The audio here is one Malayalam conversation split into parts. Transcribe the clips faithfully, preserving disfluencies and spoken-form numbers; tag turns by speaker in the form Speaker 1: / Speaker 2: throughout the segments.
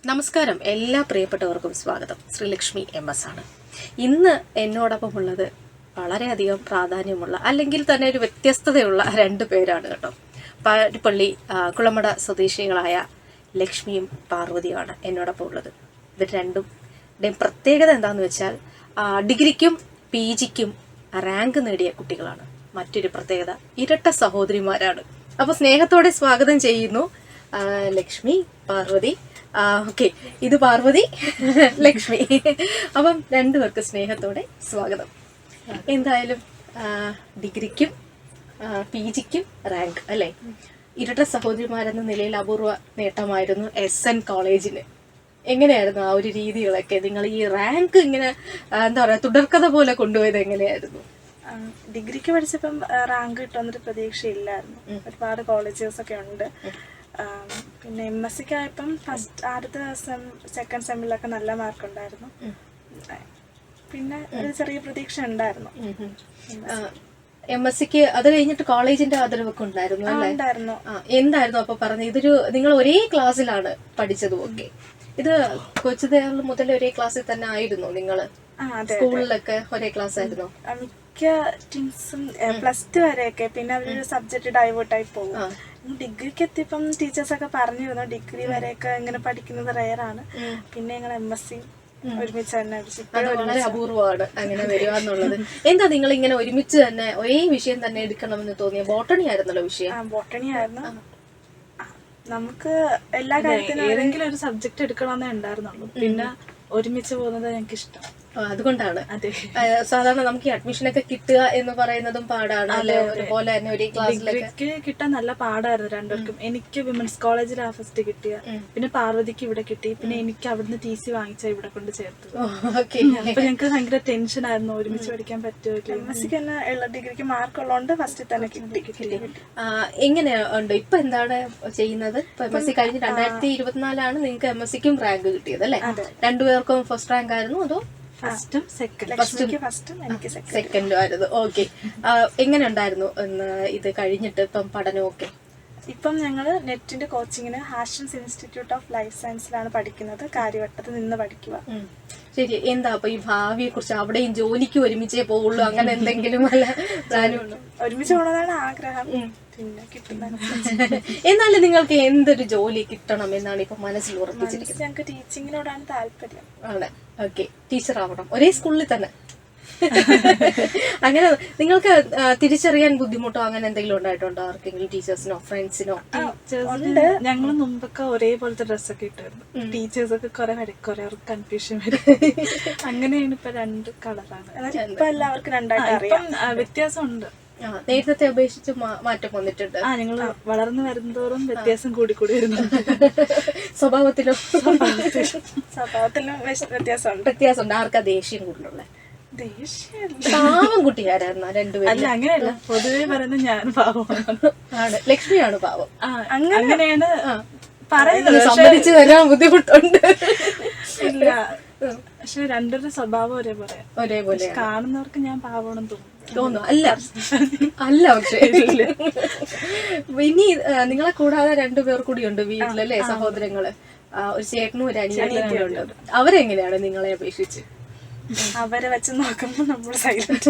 Speaker 1: നമസ്കാരം, എല്ലാ പ്രിയപ്പെട്ടവർക്കും സ്വാഗതം. ശ്രീലക്ഷ്മി എം എസ് ആണ്. ഇന്ന് എന്നോടൊപ്പം ഉള്ളത് വളരെയധികം പ്രാധാന്യമുള്ള അല്ലെങ്കിൽ തന്നെ ഒരു വ്യത്യസ്തതയുള്ള രണ്ട് പേരാണ് കേട്ടോ. പാരിപ്പള്ളി കുളമട സ്വദേശികളായ ലക്ഷ്മിയും പാർവതിയുമാണ് എന്നോടൊപ്പം ഉള്ളത്. ഇത് രണ്ടും പ്രത്യേകത എന്താണെന്ന് വെച്ചാൽ ഡിഗ്രിക്കും പി ജിക്കും റാങ്ക് നേടിയ കുട്ടികളാണ്. മറ്റൊരു പ്രത്യേകത ഇരട്ട സഹോദരിമാരാണ്. അപ്പോൾ സ്നേഹത്തോടെ സ്വാഗതം ചെയ്യുന്നു ലക്ഷ്മി, പാർവതി. ഓക്കെ, ഇത് പാർവതി, ലക്ഷ്മി. അപ്പം രണ്ടുപേർക്ക് സ്നേഹത്തോടെ സ്വാഗതം. എന്തായാലും ഡിഗ്രിക്കും പി ജിക്കും റാങ്ക് അല്ലേ? ഇരട്ട സഹോദരിമാരെന്ന നിലയിൽ അപൂർവ നേട്ടമായിരുന്നു എസ് എൻ കോളേജിന്. എങ്ങനെയായിരുന്നു ആ ഒരു രീതികളൊക്കെ? നിങ്ങൾ ഈ റാങ്ക് ഇങ്ങനെ എന്താ പറയാ തുടർക്കഥ പോലെ കൊണ്ടുപോയത് എങ്ങനെയായിരുന്നു?
Speaker 2: ഡിഗ്രിക്ക് പഠിച്ചപ്പം റാങ്ക് കിട്ടുന്നൊരു പ്രതീക്ഷയില്ലായിരുന്നു. ഒരുപാട് കോളേജസ് ഒക്കെ ഉണ്ട്. പിന്നെ എം എസ് സിക്ക് ആയപ്പം ഫസ്റ്റ് ആദ്യത്തെ സെം സെക്കൻഡ് സെമ്മിലൊക്കെ നല്ല മാർക്ക് ഉണ്ടായിരുന്നു. പിന്നെ ഒരു ചെറിയ പ്രതീക്ഷ ഉണ്ടായിരുന്നു.
Speaker 1: എം എസ് സിക്ക് അത് കഴിഞ്ഞിട്ട് കോളേജിന്റെ ആദരവൊക്കെ ഉണ്ടായിരുന്നു അല്ലേ?
Speaker 2: ഉണ്ടായിരുന്നു.
Speaker 1: എന്തായിരുന്നു അപ്പൊ പറഞ്ഞത്? ഇതൊരു നിങ്ങൾ ഒരേ ക്ലാസ്സിലാണ് പഠിച്ചതും ഒക്കെ. ഇത് കൊച്ചുതേറിൽ മുതൽ ഒരേ ക്ലാസ്സിൽ തന്നെ ആയിരുന്നു നിങ്ങള്? സ്കൂളിലൊക്കെ ഒരേ ക്ലാസ് ആയിരുന്നു?
Speaker 2: മിക്ക ടീംസും പ്ലസ് ടു വരെയൊക്കെ. പിന്നെ അവരൊരു സബ്ജക്ട് ഡൈവേർട്ടായി പോകും. ഡിഗ്രിക്ക് എത്തിയപ്പം ടീച്ചേഴ്സൊക്കെ പറഞ്ഞിരുന്നു ഡിഗ്രി വരെയൊക്കെ ഇങ്ങനെ പഠിക്കുന്നത് റെയറാണ്. പിന്നെ ഞങ്ങൾ എം എസ് സി ഒരുമിച്ച് തന്നെ
Speaker 1: വളരെ അപൂർവമാണ് അങ്ങനെ വരിക എന്നുള്ളത്. എന്താ നിങ്ങൾ ഇങ്ങനെ ഒരുമിച്ച് തന്നെ ഒരേ വിഷയം തന്നെ എടുക്കണമെന്ന് തോന്നിയ? ബോട്ടണി ആയിരുന്നല്ലോ വിഷയം.
Speaker 2: ബോട്ടണി ആയിരുന്നു. നമുക്ക് എല്ലാ കാര്യത്തിനും
Speaker 3: ഏതെങ്കിലും ഒരു സബ്ജക്ട് എടുക്കണമെന്നേ ഉണ്ടായിരുന്നുള്ളൂ. പിന്നെ ഒരുമിച്ച് പോകുന്നത് ഞങ്ങൾക്ക് ഇഷ്ടം.
Speaker 1: അതുകൊണ്ടാണ്. സാധാരണ നമുക്ക് ഈ അഡ്മിഷനൊക്കെ കിട്ടുക എന്ന് പറയുന്നതും പാടാണ് അല്ലെ? അതുപോലെ തന്നെ ഒരേ ക്ലാസ്സിലേക്ക്
Speaker 3: കിട്ടാൻ നല്ല പാടായിരുന്നു രണ്ടുപേർക്കും. എനിക്ക് വിമൻസ് കോളേജിലാ ഫസ്റ്റ് കിട്ടിയ. പിന്നെ പാർവതിക്ക് ഇവിടെ കിട്ടി. പിന്നെ എനിക്ക് അവിടുന്ന് ടി സി വാങ്ങിച്ച ഇവിടെ കൊണ്ട് ചേർത്തു. അപ്പൊ ഞങ്ങൾക്ക് ഭയങ്കര ടെൻഷൻ ആയിരുന്നു ഒരുമിച്ച് പഠിക്കാൻ പറ്റുമോ.
Speaker 2: എം എസ് സിക്ക് തന്നെ ഉള്ള ഡിഗ്രിക്ക് മാർക്ക് ഉള്ളതുകൊണ്ട് ഫസ്റ്റ് തന്നെ കിട്ടി.
Speaker 1: എങ്ങനെ ഉണ്ട് ഇപ്പൊ? എന്താണ് ചെയ്യുന്നത്? എം എസ് സി കഴിഞ്ഞ് രണ്ടായിരത്തി ഇരുപത്തിനാലാണ് നിങ്ങൾക്ക് എം എസ് സിക്കും റാങ്ക് കിട്ടിയത് അല്ലെ? രണ്ടുപേർക്കും ഫസ്റ്റ് റാങ്ക് ആയിരുന്നു അതോ
Speaker 3: ഫസ്റ്റും സെക്കൻഡ്?
Speaker 2: ഫസ്റ്റും എനിക്ക്
Speaker 1: സെക്കൻഡും ആയിരുന്നു. ഓക്കെ, എങ്ങനെ ഉണ്ടായിരുന്നു ഇത് കഴിഞ്ഞിട്ട് ഇപ്പം പഠനമൊക്കെ?
Speaker 2: ഇപ്പം ഞങ്ങൾ നെറ്റിന്റെ കോച്ചിങ്ങിന് ഹാഷൻസ് ഇൻസ്റ്റിറ്റ്യൂട്ട് ഓഫ് ലൈഫ് സയൻസിലാണ് പഠിക്കുന്നത്. കാര്യവട്ടത്ത് നിന്ന് പഠിക്കുക.
Speaker 1: ശരി. എന്താ അപ്പൊ ഈ ഭാവിയെ കുറിച്ച്? അവിടെയും ജോലിക്ക് ഒരുമിച്ചേ പോവുള്ളൂ, അങ്ങനെ എന്തെങ്കിലും അല്ല പ്ലാനുണ്ടോ?
Speaker 2: ഒരുമിച്ച് പോകണമെന്നാണ് ആഗ്രഹം. പിന്നെ കിട്ടുന്ന
Speaker 1: എന്നാലും നിങ്ങൾക്ക് എന്തൊരു ജോലി കിട്ടണം എന്നാണ് ഇപ്പൊ മനസ്സിൽ ഉറപ്പിച്ചിരിക്കുന്നത്?
Speaker 2: ഞങ്ങൾക്ക് ടീച്ചിങ്ങിനോടാണ് താല്പര്യം.
Speaker 1: ആണ്. ഓക്കെ, ടീച്ചർ ആവണം ഒരേ സ്കൂളിൽ തന്നെ. അങ്ങനെ നിങ്ങൾക്ക് തിരിച്ചറിയാൻ ബുദ്ധിമുട്ടോ അങ്ങനെ എന്തെങ്കിലും ഉണ്ടായിട്ടുണ്ടോ ആർക്കെങ്കിലും? ടീച്ചേഴ്സിനോ ഫ്രണ്ട്സിനോ?
Speaker 3: ഞങ്ങൾ മുമ്പൊക്കെ ഒരേപോലത്തെ ഡ്രസ്സൊക്കെ ഇട്ടായിരുന്നു. ടീച്ചേഴ്സ് ഒക്കെ കുറെ വരക്കുറെ അവർക്ക് കൺഫ്യൂഷൻ വരും. അങ്ങനെയാണ് ഇപ്പൊ രണ്ട് കളറാണ്.
Speaker 2: ഇപ്പൊ എല്ലാവർക്കും രണ്ടായിട്ട് അറിയാം.
Speaker 3: വ്യത്യാസമുണ്ട്.
Speaker 1: നേരത്തെ അപേക്ഷിച്ച് മാറ്റം വന്നിട്ടുണ്ട്.
Speaker 3: ആ, ഞങ്ങൾ വളർന്നു വരുന്നതോറും വ്യത്യാസം കൂടി കൂടി വരുന്നുണ്ട്.
Speaker 1: സ്വഭാവത്തിലും
Speaker 2: സ്വഭാവത്തിലും വ്യത്യാസമുണ്ട്.
Speaker 1: വ്യത്യാസമുണ്ട്. ആർക്കാ ദേഷ്യം കൂടുതലുള്ള? പാവം കുട്ടിക്കാരായിരുന്നു രണ്ടുപേരും.
Speaker 3: അല്ല, അങ്ങനെയല്ല. പൊതുവെ പറയുന്നത് ഞാൻ പാവമാണ്.
Speaker 1: ആണ്. ലക്ഷ്മിയാണ് പാവം.
Speaker 3: അങ്ങനെയാണ്
Speaker 1: പറയുന്നത്. സമ്മതിച്ചു തരാൻ ബുദ്ധിമുട്ടുണ്ട്.
Speaker 3: ഇല്ല, പക്ഷെ രണ്ടുപേരുടെ സ്വഭാവം ഒരേപോലെ ഒരേപോലെ കാണുന്നവർക്ക് ഞാൻ പാവമാണെന്ന് തോന്നുന്നു.
Speaker 1: തോന്നുന്നു. അല്ല അല്ല പക്ഷെ ഇനി നിങ്ങളെ കൂടാതെ രണ്ടുപേർ കൂടിയുണ്ട് വീട്ടിലല്ലേ, സഹോദരങ്ങള്. ഒരു ചേട്ടനും ഒരു അനിയനും ഉണ്ട്. അവരെങ്ങനെയാണ് നിങ്ങളെ അപേക്ഷിച്ച്?
Speaker 2: അവരെ വെച്ച് നോക്കുമ്പോ നമ്മൾ സൈലന്റ്.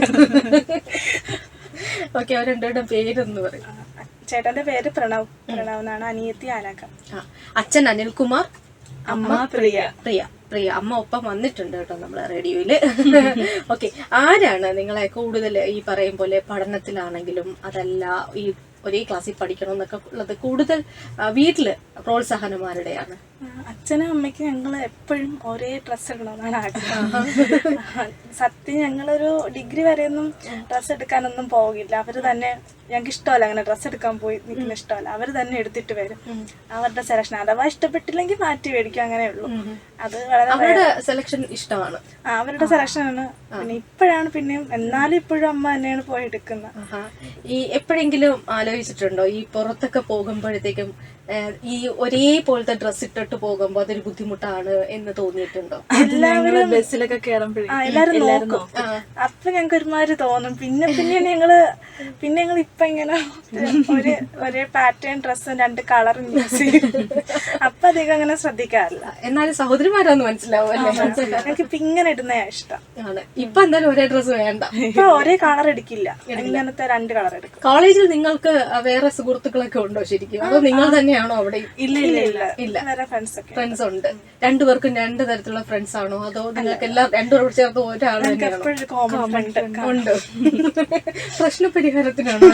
Speaker 1: ഓക്കെ, അവർ രണ്ടുപേരുടെ പേരൊന്ന് പറയും.
Speaker 2: ചേട്ടന്റെ പേര് പ്രണവ്. പ്രണവ് എന്നാണ്. അനിയത്തി ആനക.
Speaker 1: അച്ഛൻ അനിൽകുമാർ,
Speaker 2: അമ്മ പ്രിയ.
Speaker 1: പ്രിയ പ്രിയ അമ്മ ഒപ്പം വന്നിട്ടുണ്ട് കേട്ടോ നമ്മളെ റേഡിയോയില്. ഓക്കെ, ആരാണ് നിങ്ങളെ കൂടുതൽ ഈ പറയും പോലെ പഠനത്തിലാണെങ്കിലും അതല്ല ഈ ഒരേ ക്ലാസ്സിൽ പഠിക്കണം എന്നൊക്കെ ഉള്ളത് കൂടുതൽ വീട്ടില് പ്രോത്സാഹനമാരുടെയാണ്?
Speaker 2: അച്ഛനും അമ്മയ്ക്കും ഞങ്ങൾ എപ്പോഴും ഒരേ ഡ്രസ്സ് ഇടണമെന്നാണ് ആഗ്രഹം. സത്യം ഞങ്ങളൊരു ഡിഗ്രി വരെയൊന്നും ഡ്രസ്സ് എടുക്കാനൊന്നും പോകില്ല. അവര് തന്നെ, ഞങ്ങൾക്ക് ഇഷ്ടമല്ല അങ്ങനെ ഡ്രസ്സ് എടുക്കാൻ പോയി നിൽക്കുന്ന ഇഷ്ടമല്ല. അവര് തന്നെ എടുത്തിട്ട് വരും. അവരുടെ സെലക്ഷൻ അഥവാ ഇഷ്ടപ്പെട്ടില്ലെങ്കിൽ മാറ്റി മേടിക്കും, അങ്ങനെ ഉള്ളൂ. അത്
Speaker 1: വളരെ സെലക്ഷൻ ഇഷ്ടമാണ്.
Speaker 2: ആ, അവരുടെ സെലക്ഷനാണ്. പിന്നെ ഇപ്പോഴാണ് പിന്നെയും, എന്നാലും ഇപ്പോഴും അമ്മ തന്നെയാണ് പോയി എടുക്കുന്നത്.
Speaker 1: ഈ എപ്പോഴെങ്കിലും ആലോചിച്ചിട്ടുണ്ടോ ഈ പുറത്തൊക്കെ പോകുമ്പോഴത്തേക്കും ഈ ഒരേപോലത്തെ ഡ്രസ് ഇട്ടിട്ട് പോകുമ്പോ അതൊരു ബുദ്ധിമുട്ടാണ് എന്ന് തോന്നിയിട്ടുണ്ടോ?
Speaker 3: എല്ലാവരും ബസ്സിലൊക്കെ കയറുമ്പോഴേ
Speaker 2: എല്ലാരും നോക്കും. അപ്പൊ ഞങ്ങൾക്ക് ഒരുമാതിരി തോന്നും. പിന്നെ പിന്നെ ഞങ്ങള് പിന്നെ ഞങ്ങൾ ഇപ്പൊ ഇങ്ങനെ ഒരു ഒരേ പാറ്റേൺ ഡ്രസ്സും രണ്ട് കളറും യൂസ് ചെയ്യും. അപ്പൊ അധികം അങ്ങനെ ശ്രദ്ധിക്കാറില്ല.
Speaker 1: എന്നാലും സഹോദരിമാരാന്ന് മനസ്സിലാവും അല്ലേ?
Speaker 2: ഞങ്ങൾക്ക് ഇപ്പൊ ഇങ്ങനെ ഇടുന്ന ഇഷ്ടം.
Speaker 1: ഇപ്പൊ എന്തായാലും ഒരേ ഡ്രസ്സ് വേണ്ട.
Speaker 2: ഇപ്പൊ ഒരേ കളർ എടുക്കില്ല, ഇങ്ങനത്തെ രണ്ട് കളർ എടുക്കും.
Speaker 1: കോളേജിൽ നിങ്ങൾക്ക് വേറെ സുഹൃത്തുക്കളൊക്കെ ഉണ്ടോ ശരിക്കും? അതോ നിങ്ങൾ തന്നെയാണോ അവിടെ?
Speaker 2: ഇല്ല ഇല്ല ഇല്ല ഇല്ല വേറെ ഫ്രണ്ട്സ് ഒക്കെ
Speaker 1: ഫ്രണ്ട്സ് ഉണ്ട്. രണ്ടുപേർക്കും രണ്ട് തരത്തിലുള്ള ഫ്രണ്ട്സ് ആണോ? അതോ നിങ്ങൾക്ക് എല്ലാം രണ്ടുപേരോട് ചേർത്ത് ഒരാൾ തന്നെയാണോ? ഉണ്ട്. പ്രശ്ന പരിഹാരത്തിനാണോ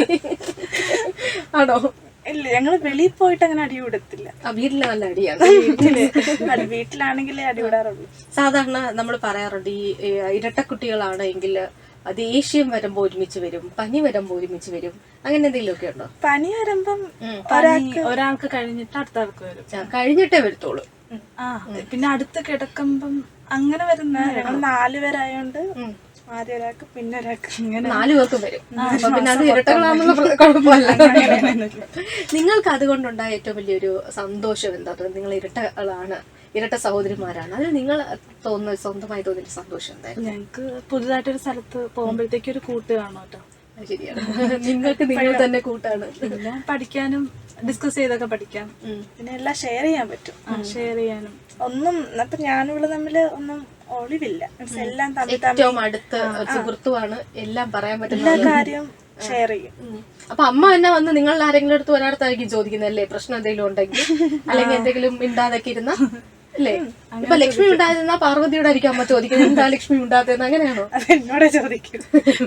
Speaker 1: ആണോ?
Speaker 2: ഇല്ല, ഞങ്ങള് വെളിയിൽ പോയിട്ട് അങ്ങനെ അടി വിടത്തില്ല.
Speaker 1: വീട്ടില് നല്ല അടിയാണ്.
Speaker 2: വീട്ടില് വീട്ടിലാണെങ്കിലേ അടി വിടാറുള്ളൂ.
Speaker 1: സാധാരണ നമ്മൾ പറയാറുണ്ട് ഈ ഇരട്ടക്കുട്ടികളാണെങ്കിൽ ദേഷ്യം വരുമ്പോ ഒരുമിച്ച് വരും, പനി വരുമ്പോ ഒരുമിച്ച് വരും, അങ്ങനെ എന്തെങ്കിലും ഒക്കെ ഉണ്ടോ?
Speaker 2: പനി വരുമ്പം
Speaker 3: ഒരാൾക്ക് കഴിഞ്ഞിട്ട് അടുത്ത ആൾക്ക് വരും.
Speaker 1: കഴിഞ്ഞിട്ടേ വരത്തുള്ളൂ.
Speaker 3: ആ പിന്നെ അടുത്ത് കിടക്കുമ്പം അങ്ങനെ വരുന്ന
Speaker 2: ഞങ്ങൾ നാലുപേരായോണ്ട് ആദ്യം ഒരാൾക്ക് പിന്നെ ഒരാൾക്ക്
Speaker 1: ഇങ്ങനെ നാലു പേർക്കും വരും. അപ്പൊ പിന്നെ അത് ഇരട്ടകളാണെന്നുള്ള കുഴപ്പമല്ല. നിങ്ങൾക്ക് അതുകൊണ്ടുണ്ടായ ഏറ്റവും വലിയൊരു സന്തോഷം എന്താ? നിങ്ങൾ ഇരട്ടകളാണ്, ഇരട്ട സഹോദരിമാരാണ്, അതിൽ നിങ്ങൾ തോന്നുന്ന സ്വന്തമായി തോന്നിയ സന്തോഷം എന്തായിരുന്നു?
Speaker 3: ഞങ്ങക്ക് പുതുതായിട്ടൊരു സ്ഥലത്ത് പോകുമ്പോഴത്തേക്ക് ഒരു കൂട്ട് കാണും കേട്ടോ.
Speaker 1: ശരിയാണ്, നിങ്ങൾക്ക് നിങ്ങൾ തന്നെ കൂട്ടാണ്.
Speaker 3: പിന്നെ പഠിക്കാനും ഡിസ്കസ് ചെയ്തൊക്കെ പഠിക്കാം,
Speaker 2: പിന്നെ എല്ലാം ഷെയർ ചെയ്യാൻ പറ്റും.
Speaker 3: ഷെയർ ചെയ്യാനും
Speaker 2: ഒന്നും അപ്പൊ ഞാനും ഇവിടെ തമ്മില് ഒന്നും ഒളിവില്ല. എല്ലാം
Speaker 1: ഏറ്റവും അടുത്ത സുഹൃത്തുമാണ്, എല്ലാം പറയാൻ പറ്റുന്ന
Speaker 2: എല്ലാ കാര്യം ഷെയർ ചെയ്യും.
Speaker 1: അപ്പൊ അമ്മ തന്നെ വന്ന് നിങ്ങൾ ആരെങ്കിലും അടുത്ത് ഒരാടത്തായിരിക്കും ചോദിക്കുന്നല്ലേ പ്രശ്നം എന്തെങ്കിലും ഉണ്ടെങ്കിൽ, അല്ലെങ്കിൽ എന്തെങ്കിലും മിണ്ടാതൊക്കെ ഇരുന്ന അല്ലേ? ഇപ്പൊ ലക്ഷ്മി ഉണ്ടായിരുന്ന പാർവതിയോട് ആയിരിക്കും അമ്മ ചോദിക്കുന്നത് എന്താ ലക്ഷ്മി ഉണ്ടാകുന്ന, അങ്ങനെയാണോ?
Speaker 2: എന്നോട് ചോദിക്കും.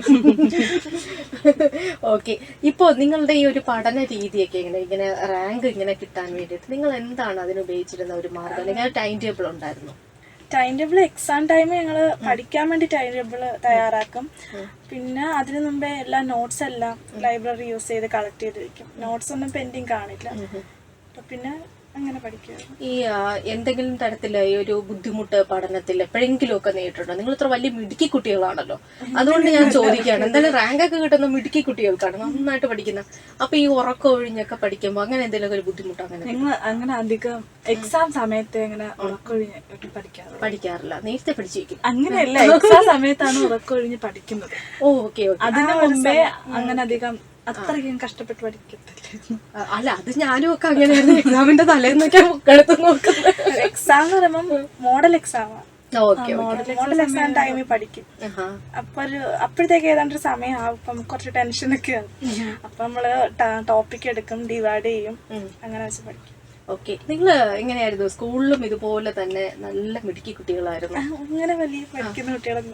Speaker 1: ഓക്കെ, ഇപ്പൊ നിങ്ങളുടെ ഈ ഒരു പഠന രീതിയൊക്കെ ഇങ്ങനെ ഇങ്ങനെ റാങ്ക് ഇങ്ങനെ കിട്ടാൻ വേണ്ടിയിട്ട് നിങ്ങൾ എന്താണ് അതിന് ഉപയോഗിച്ചിരുന്ന ഒരു മാർഗം, അല്ലെങ്കിൽ ടൈം ടേബിൾ ഉണ്ടായിരുന്നു?
Speaker 2: ടൈം ടേബിൾ എക്സാം ടൈം ഞങ്ങള് പഠിക്കാൻ വേണ്ടി ടൈം ടേബിൾ തയ്യാറാക്കും. പിന്നെ അതിനു മുമ്പേ എല്ലാ നോട്ട്സ് എല്ലാം ലൈബ്രറി യൂസ് ചെയ്ത് കളക്ട് ചെയ്ത് വെക്കും. നോട്ട്സ് ഒന്നും പെൻഡിങ് കാണില്ല. പിന്നെ അങ്ങനെ പഠിക്കുക.
Speaker 1: ഈ എന്തെങ്കിലും തരത്തില് ഈ ഒരു ബുദ്ധിമുട്ട് പഠനത്തിൽ എപ്പോഴെങ്കിലും ഒക്കെ നേരിട്ടുണ്ടോ? നിങ്ങൾ ഇത്ര വലിയ മിടുക്കി കുട്ടികളാണല്ലോ, അതുകൊണ്ട് ഞാൻ ചോദിക്കുകയാണ്. എന്തായാലും റാങ്ക് ഒക്കെ കിട്ടുന്ന മിടുക്കി കുട്ടികൾക്കാണ്, നന്നായിട്ട് പഠിക്കുന്ന. അപ്പൊ ഈ ഉറക്കം ഒഴിഞ്ഞൊക്കെ പഠിക്കുമ്പോ അങ്ങനെ എന്തെങ്കിലും ഒരു ബുദ്ധിമുട്ട് അങ്ങനെ
Speaker 3: നിങ്ങൾ അങ്ങനെ അധികം എക്സാം സമയത്ത് അങ്ങനെ ഉറക്കൊഴിഞ്ഞ് പഠിക്കാറ്
Speaker 1: പഠിക്കാറില്ല? നേരത്തെ പഠിച്ചു വെക്കും.
Speaker 3: അങ്ങനെയല്ല, എക്സാം സമയത്താണ് ഉറക്കൊഴിഞ്ഞ് പഠിക്കുന്നത്.
Speaker 1: Oh okay okay.
Speaker 3: അതിനു മുമ്പേ അങ്ങനെ അധികം അത്രയ്ക്കും കഷ്ടപ്പെട്ട് പഠിക്കത്തില്ല.
Speaker 1: അല്ല, അത് ഞാനും ഒക്കെ അങ്ങനെയായിരുന്നു. എക്സാമിന്റെ തലേന്നൊക്കെ എടുത്ത് നോക്കുന്നത്.
Speaker 2: എക്സാം എന്ന് പറയുമ്പോ മോഡൽ എക്സാമാണ്.
Speaker 1: മോഡൽ
Speaker 2: എക്സാം ടൈമിൽ പഠിക്കും. അപ്പൊ ഒരു അപ്പോഴത്തേക്ക് ഏതാണ്ട് ഒരു സമയം ആവും. അപ്പം കുറച്ച് ടെൻഷനൊക്കെ ആവും. അപ്പൊ നമ്മള് ടോപ്പിക് എടുക്കും, ഡിവൈഡ് ചെയ്യും, അങ്ങനെ വെച്ച് പഠിക്കും.
Speaker 1: ഓക്കെ, നിങ്ങള് എങ്ങനെയായിരുന്നു സ്കൂളിലും? ഇതുപോലെ തന്നെ നല്ല മിടുക്കി കുട്ടികളായിരുന്നു?
Speaker 2: അങ്ങനെ വലിയ പഠിക്കുന്ന കുട്ടികളൊന്നും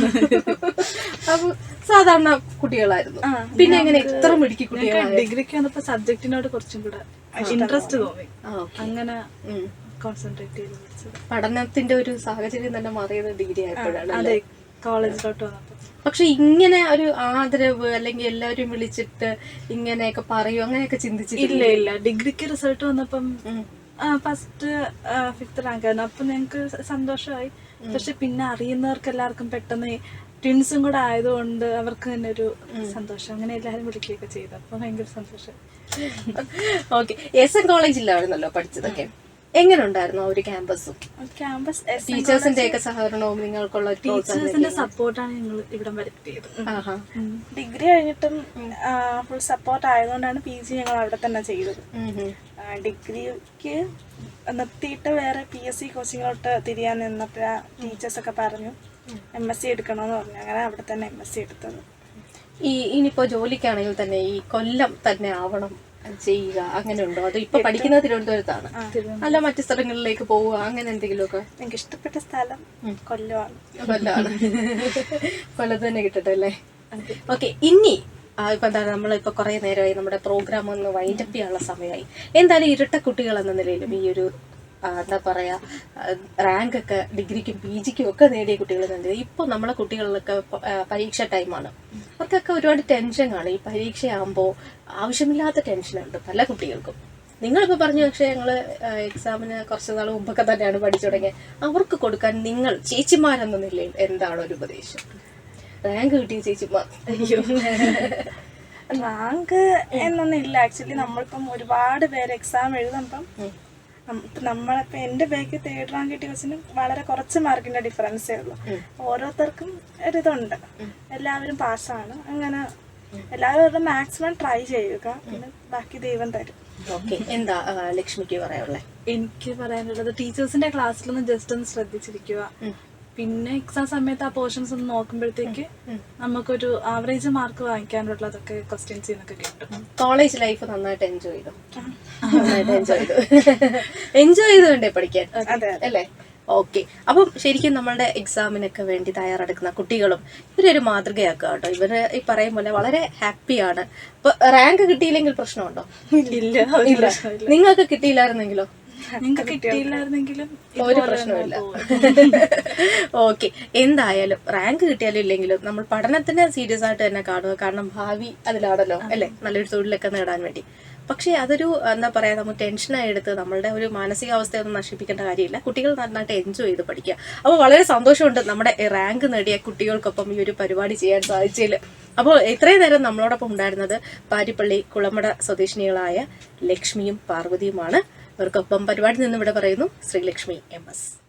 Speaker 1: അപ്പൊ സാധാരണ കുട്ടികളായിരുന്നു. പിന്നെ എങ്ങനെ ഇത്ര മിടുക്കി കുട്ടികൾ?
Speaker 3: ഡിഗ്രിക്ക് വന്നപ്പോ സബ്ജക്റ്റിനോട് കുറച്ചും കൂടെ ഇൻട്രസ്റ്റ് തോന്നി, അങ്ങനെ കോൺസെൻട്രേറ്റ് ചെയ്ത് പഠിച്ചത്.
Speaker 1: പഠനത്തിന്റെ ഒരു സാഹചര്യം തന്നെ മാറിയത് ഡിഗ്രി ആയപ്പോഴാണ്.
Speaker 3: അതെ, കോളേജിലോട്ട് വന്നപ്പോ.
Speaker 1: പക്ഷെ ഇങ്ങനെ ഒരു ആദരവ് അല്ലെങ്കിൽ എല്ലാവരും വിളിച്ചിട്ട് ഇങ്ങനെയൊക്കെ പറയൂ അങ്ങനെയൊക്കെ ചിന്തിച്ചിട്ടില്ല?
Speaker 3: ഇല്ല ഇല്ല, ഡിഗ്രിക്ക് റിസൾട്ട് വന്നപ്പം ഫസ്റ്റ് ഫിഫ്ത്ത് റാങ്ക് ആയിരുന്നു. അപ്പൊ ഞങ്ങക്ക് സന്തോഷമായി. പക്ഷെ പിന്നെ അറിയുന്നവർക്ക് എല്ലാവർക്കും പെട്ടെന്ന് ട്വിൻസും കൂടെ ആയതുകൊണ്ട് അവർക്ക് തന്നെ ഒരു സന്തോഷം, അങ്ങനെ എല്ലാവരും വിളിക്കുകയൊക്കെ ചെയ്തു. അപ്പൊ ഭയങ്കര സന്തോഷം.
Speaker 1: ഓക്കെ, എസ് എൻ കോളേജിലായിരുന്നല്ലോ പഠിച്ചതൊക്കെ. എങ്ങനെ ഉണ്ടായിരുന്നു ആ ഒരു ക്യാമ്പസും
Speaker 2: ക്യാമ്പസ്
Speaker 1: ടീച്ചേഴ്സിന്റെ ഒക്കെ സഹകരണവും നിങ്ങൾക്കുള്ള
Speaker 3: ടീച്ചേഴ്സിന്റെ സപ്പോർട്ടാണ് ഞങ്ങൾ ഇവിടെ വരുത്തിയത്.
Speaker 2: ഡിഗ്രി കഴിഞ്ഞിട്ടും ഫുൾ സപ്പോർട്ട് ആയതുകൊണ്ടാണ് പി ജി ഞങ്ങൾ അവിടെ തന്നെ ചെയ്തത്. ഡിഗ്രിക്ക് നിർത്തിയിട്ട് വേറെ പി എസ് സി കോച്ചിങ്ങിലോട്ട് തിരിയാൻ നിന്നപ്പോഴാ ടീച്ചേഴ്സൊക്കെ പറഞ്ഞു എം എസ് സി എടുക്കണമെന്ന് പറഞ്ഞു. അങ്ങനെ അവിടെ തന്നെ എം എസ് സി എടുത്തത്.
Speaker 1: ഈ ഇനിയിപ്പോ ജോലിക്കാണെങ്കിൽ തന്നെ ഈ കൊല്ലം തന്നെ ആവണം ചെയ്യുക അങ്ങനെ ഉണ്ടോ? അത് ഇപ്പൊ പഠിക്കുന്നത് തിരുവനന്തപുരത്താണ്, അല്ല മറ്റു സ്ഥലങ്ങളിലേക്ക് പോവുക അങ്ങനെ എന്തെങ്കിലുമൊക്കെ?
Speaker 2: എനിക്ക് ഇഷ്ടപ്പെട്ട സ്ഥലം കൊല്ലമാണ്.
Speaker 1: കൊല്ലമാണ്. കൊല്ലത്ത് തന്നെ കിട്ടട്ടെ അല്ലേ? ഓക്കെ, ഇനി ഇപ്പൊ എന്താണ് നമ്മളിപ്പോ കുറെ നേരമായി നമ്മുടെ പ്രോഗ്രാം ഒന്ന് വൈൻഡപ്പ് ചെയ്യാനുള്ള സമയമായി. എന്തായാലും ഇരട്ട കുട്ടികൾ എന്ന നിലയിലും ഈ ഒരു എന്താ പറയാ റാങ്ക് ഒക്കെ ഡിഗ്രിക്കും പി ജിക്കും ഒക്കെ നേടിയ കുട്ടികൾ തന്നെ ഇപ്പൊ നമ്മളെ കുട്ടികളിലൊക്കെ പരീക്ഷ ടൈമാണ്, അവർക്കൊക്കെ ഒരുപാട് ടെൻഷൻ കാണും. ഈ പരീക്ഷയാകുമ്പോൾ ആവശ്യമില്ലാത്ത ടെൻഷനുണ്ട് പല കുട്ടികൾക്കും. നിങ്ങളിപ്പോൾ പറഞ്ഞു, പക്ഷേ ഞങ്ങൾ എക്സാമിന് കുറച്ച് നാൾ മുമ്പൊക്കെ തന്നെയാണ് പഠിച്ചു തുടങ്ങിയത്. അവർക്ക് കൊടുക്കാൻ നിങ്ങൾ ചേച്ചിമാരെന്ന നിലയിൽ എന്താണ് ഒരു ഉപദേശം? റാങ്ക് കിട്ടിയ ചേച്ചിമാർ, അയ്യോ
Speaker 2: റാങ്ക് എന്നൊന്നും ഇല്ല. ആക്ച്വലി നമ്മളിപ്പം ഒരുപാട് പേര് എക്സാം എഴുതുമ്പം നമ്മളിപ്പോൾ എൻ്റെ ബാക്ക് തേർഡ് റാങ്ക് കിട്ടിയ ക്വസ്റ്റിന് വളരെ കുറച്ച് മാർക്കിൻ്റെ ഡിഫറൻസേ ഉള്ളൂ. ഓരോരുത്തർക്കും ഒരിതുണ്ട്, എല്ലാവരും പാസ്സാണ്. അങ്ങനെ എല്ലാവരും മാക്സിമം ട്രൈ ചെയ്യുക, പിന്നെ ബാക്കി ദൈവം തരും.
Speaker 1: ഓക്കെ, എന്താ ലക്ഷ്മിക്ക് പറയാനുള്ളത്?
Speaker 3: എനിക്ക് പറയാനുള്ളത് ടീച്ചേഴ്സിന്റെ ക്ലാസ്സിലൊന്ന് ജസ്റ്റ് ഒന്ന് ശ്രദ്ധിച്ചിരിക്കുക. പിന്നെ എക്സാം സമയത്ത് ആ പോർഷൻസ് ഒന്ന് നോക്കുമ്പോഴത്തേക്ക് നമുക്കൊരു ആവറേജ് മാർക്ക് വാങ്ങിക്കാനുള്ളതൊക്കെ ക്വസ്റ്റ്യൻസ് ഒക്കെ കിട്ടും.
Speaker 1: കോളേജ് ലൈഫ് നന്നായിട്ട് എൻജോയ് ചെയ്തു? നന്നായിട്ട് എൻജോയ് ചെയ്തു. എൻജോയ് ചെയ്തുകൊണ്ടേ പഠിക്കാൻ അല്ലേ? ഓക്കെ. അപ്പം ശരിക്കും നമ്മളുടെ എക്സാമിനൊക്കെ വേണ്ടി തയ്യാറെടുക്കുന്ന കുട്ടികളും ഇവരൊരു മാതൃകയാക്കുക കേട്ടോ. ഇവര് ഈ പറയും പോലെ വളരെ ഹാപ്പിയാണ്. അപ്പൊ റാങ്ക് കിട്ടിയില്ലെങ്കിൽ പ്രശ്നമുണ്ടോ?
Speaker 3: ഇല്ല,
Speaker 1: ഇല്ല. നിങ്ങൾക്ക് കിട്ടിയില്ലായിരുന്നെങ്കിലോ?
Speaker 3: നിങ്ങൾക്ക് കിട്ടിയില്ലായിരുന്നെങ്കിലും
Speaker 1: ഒരു പ്രശ്നമില്ല. ഓക്കെ, എന്തായാലും റാങ്ക് കിട്ടിയാലും ഇല്ലെങ്കിലും നമ്മൾ പഠനത്തിന് സീരിയസ് ആയിട്ട് തന്നെ കാണുക. കാരണം ഭാവി അതിലാണല്ലോ അല്ലെ, നല്ലൊരു തൊഴിലൊക്കെ നേടാൻ വേണ്ടി. പക്ഷെ അതൊരു എന്താ പറയാ, നമ്മൾ ടെൻഷനായി എടുത്ത് നമ്മളുടെ ഒരു മാനസികാവസ്ഥയൊന്നും നശിപ്പിക്കേണ്ട കാര്യമില്ല. കുട്ടികൾ നന്നായിട്ട് എൻജോയ് ചെയ്ത് പഠിക്കുക. അപ്പോൾ വളരെ സന്തോഷമുണ്ട് നമ്മുടെ റാങ്ക് നേടിയ കുട്ടികൾക്കൊപ്പം ഈ ഒരു പരിപാടി ചെയ്യാൻ സാധിച്ചതിൽ. അപ്പോൾ ഇത്രയും നേരം നമ്മളോടൊപ്പം ഉണ്ടായിരുന്നത് പാരിപ്പള്ളി കുളമട സ്വദേശിനികളായ ലക്ഷ്മിയും പാർവതിയുമാണ്. അവർക്കൊപ്പം പരിപാടി നിന്ന് ഇവിടെ പറയുന്നു ശ്രീലക്ഷ്മി എം എസ്.